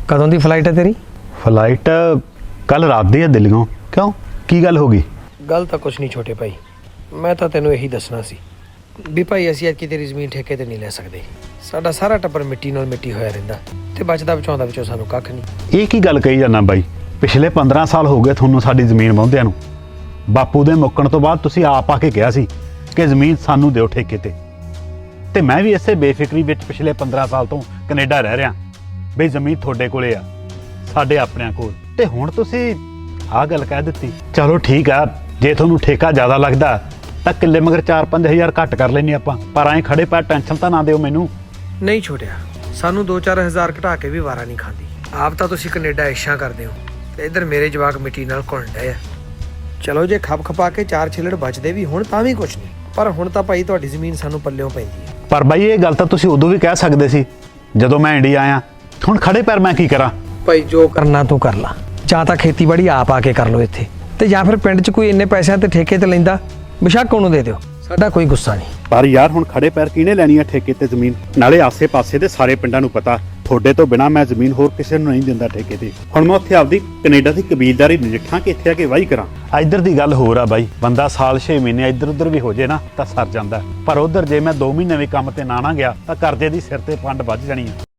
ਕਦੋਂ ਦੀ ਫਲਾਈਟ ਹੈ ਤੇਰੀ? ਫਲਾਈਟ ਕੱਲ ਰਾਤ ਦੀ ਹੈ ਦਿੱਲੀੋਂ। ਕਿਉਂ, ਕੀ ਗੱਲ ਹੋ ਗਈ? ਗੱਲ ਤਾਂ ਕੁਛ ਨਹੀਂ ਛੋਟੇ ਭਾਈ, ਮੈਂ ਤਾਂ ਤੈਨੂੰ ਇਹੀ ਦੱਸਣਾ ਸੀ ਵੀ ਭਾਈ ਅਸੀਂ ਅੱਜ ਤੇਰੀ ਜ਼ਮੀਨ ਠੇਕੇ ਤੇ ਨਹੀਂ ਲੈ ਸਕਦੇ। ਸਾਡਾ ਸਾਰਾ ਟੱਬਰ ਮਿੱਟੀ ਨਾਲ ਮਿੱਟੀ ਹੋਇਆ ਰਹਿੰਦਾ ਤੇ ਬਚਦਾ ਬਚਾਉਂਦਾ ਵਿੱਚੋਂ ਸਾਨੂੰ ਕੱਖ ਨਹੀਂ। ਇਹ ਕੀ ਗੱਲ ਕਹੀ ਜਾਂਦਾ ਬਾਈ? ਪਿਛਲੇ 15 ਸਾਲ ਹੋ ਗਏ ਤੁਹਾਨੂੰ ਸਾਡੀ ਜ਼ਮੀਨ ਵਾਹੁੰਦਿਆਂ ਨੂੰ। ਬਾਪੂ ਦੇ ਮੁੱਕਣ ਤੋਂ ਬਾਅਦ ਤੁਸੀਂ ਆਪ ਆ ਕੇ ਕਿਹਾ ਸੀ ਕਿ ਜ਼ਮੀਨ ਸਾਨੂੰ ਦਿਓ ਠੇਕੇ ਤੇ ਮੈਂ ਵੀ ਇਸੇ ਬੇਫਿਕਰੀ ਵਿੱਚ ਪਿਛਲੇ 15 ਸਾਲ ਤੋਂ ਕੈਨੇਡਾ ਰਹਿ ਰਿਹਾ ਬਈ ਜ਼ਮੀਨ ਤੁਹਾਡੇ ਕੋਲੇ ਆ, ਸਾਡੇ ਆਪਣਿਆਂ ਕੋਲ। ਤੇ ਹੁਣ ਤੁਸੀਂ ਆਹ ਗੱਲ ਕਹਿ ਦਿੱਤੀ। ਚਲੋ ਠੀਕ ਆ, ਜੇ ਤੁਹਾਨੂੰ ਠੇਕਾ ਜ਼ਿਆਦਾ ਲੱਗਦਾ ਤਾਂ ਕਿੱਲੇ ਮਗਰ 4-5 ਹਜ਼ਾਰ ਘੱਟ ਕਰ ਲੈਣੀ ਆਪਾਂ, ਪਰ ਐਂ ਖੜੇ ਪੈਰ ਟੈਨਸ਼ਨ ਤਾਂ ਨਾ ਦਿਓ ਮੈਨੂੰ। ਨਹੀਂ ਛੋਟਿਆ, ਸਾਨੂੰ 2-4 ਹਜ਼ਾਰ ਘਟਾ ਕੇ ਵੀ ਵਾਰਾ ਨਹੀਂ ਖਾਂਦੀ। ਆਪ ਤਾਂ ਤੁਸੀਂ ਕੈਨੇਡਾ ਇਸ਼ਾਂ ਕਰਦੇ ਹੋ ਤੇ ਇੱਧਰ ਮੇਰੇ ਜਵਾਕ ਮਿੱਟੀ ਨਾਲ ਘੁਲਣ ਡਏ ਆ। ਚਲੋ ਜੇ ਖਪ ਖਪਾ ਕੇ 4 ਛਿੱਲੜ ਬਚਦੇ ਵੀ ਹੁਣ ਤਾਂ ਵੀ ਕੁਛ ਨਹੀਂ, ਪਰ ਹੁਣ ਤਾਂ ਭਾਈ ਤੁਹਾਡੀ ਜ਼ਮੀਨ ਸਾਨੂੰ ਪੱਲਿਓਂ ਪੈਂਦੀ ਹੈ। ਪਰ ਬਾਈ ਇਹ ਗੱਲ ਤਾਂ ਤੁਸੀਂ ਉਦੋਂ ਵੀ ਕਹਿ ਸਕਦੇ ਸੀ ਜਦੋਂ ਮੈਂ ਇੰਡੀਆ ਆਇਆ। ਹੁਣ ਖੜੇ ਪੈਰ ਮੈਂ ਕੀ ਕਰਾਂ? ਭਾਈ ਜੋ ਕਰਨਾ ਤੂੰ ਕਰ ਲਾ, ਜਾਂ ਤਾਂ ਖੇਤੀਬਾੜੀ ਆਪ ਆ ਕੇ ਕਰ ਲਓ ਇੱਥੇ, ਤੇ ਜਾਂ ਫਿਰ ਪਿੰਡ 'ਚ ਕੋਈ ਇੰਨੇ ਪੈਸਿਆਂ ਤੇ ਠੇਕੇ ਤੇ ਲੈਂਦਾ ਬੇਸ਼ੱਕ ਉਹਨੂੰ ਦੇ ਦਿਓ, ਸਾਡਾ ਕੋਈ ਗੁੱਸਾ ਨਹੀਂ। ਪਰ ਯਾਰ ਹੁਣ ਖੜੇ ਪੈਰ ਕਿਹਨੇ ਲੈਣੀ ਆ ਠੇਕੇ ਤੇ ਜ਼ਮੀਨ? ਨਾਲੇ ਆਸੇ-ਪਾਸੇ ਦੇ ਸਾਰੇ ਪਿੰਡਾਂ ਨੂੰ ਪਤਾ ਤੁਹਾਡੇ ਤੋਂ ਬਿਨਾ ਮੈਂ ਜ਼ਮੀਨ ਹੋਰ ਕਿਸੇ ਨੂੰ ਨਹੀਂ ਦਿੰਦਾ ਠੇਕੇ ਤੇ। ਹੁਣ ਮੈਂ ਉੱਥੇ ਆਪਦੀ ਕੈਨੇਡਾ ਦੀ ਕਬੀਲਦਾਰੀ ਨਜਿੱਠਾਂ ਕਿ ਇੱਥੇ ਆ ਕੇ ਵਾਹੀ ਕਰਾਂ? ਇੱਧਰ ਦੀ ਗੱਲ ਹੋਰ ਆ ਬਾਈ, ਬੰਦਾ ਸਾਲ 6 ਮਹੀਨੇ ਇੱਧਰ ਉੱਧਰ ਵੀ ਹੋ ਜੇ ਨਾ ਤਾਂ ਸਰ ਜਾਂਦਾ, ਪਰ ਉੱਧਰ ਜੇ ਮੈਂ 2 ਮਹੀਨੇ ਵੀ ਕੰਮ ਤੇ ਨਾ ਗਿਆ ਤਾਂ ਕਰਜ਼ੇ ਦੀ ਸਿਰ ਤੇ ਪੰਡ ਵੱਜ ਜਾਣੀ ਆ।